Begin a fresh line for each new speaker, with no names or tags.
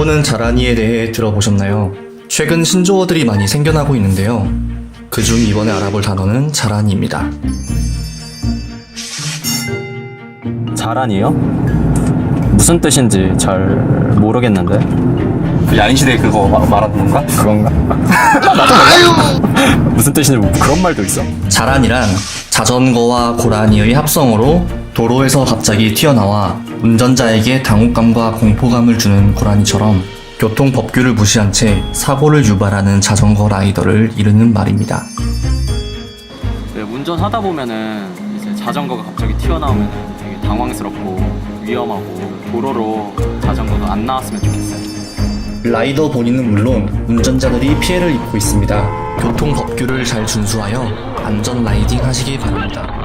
여러분은 자라니에 대해 들어보셨나요? 최근 신조어들이 많이 생겨나고 있는데요. 그중 이번에 알아볼 단어는 자라니입니다.
자란이요? 무슨 뜻인지 잘 모르겠는데.
그 야인시대 그거 말하는 건가?
그건가? 무슨 뜻인지 그런 말도 있어?
자란이란 자전거와 고라니의 합성어로 도로에서 갑자기 튀어나와 운전자에게 당혹감과 공포감을 주는 고라니처럼 교통 법규를 무시한 채 사고를 유발하는 자전거 라이더를 이르는 말입니다.
네, 운전하다 보면은 이제 자전거가 갑자기 튀어나오면 되게 당황스럽고 위험하고 도로로 자전거도 안 나왔으면 좋겠어요.
라이더 본인은 물론 운전자들이 피해를 입고 있습니다. 교통 법규를 잘 준수하여 안전 라이딩 하시기 바랍니다.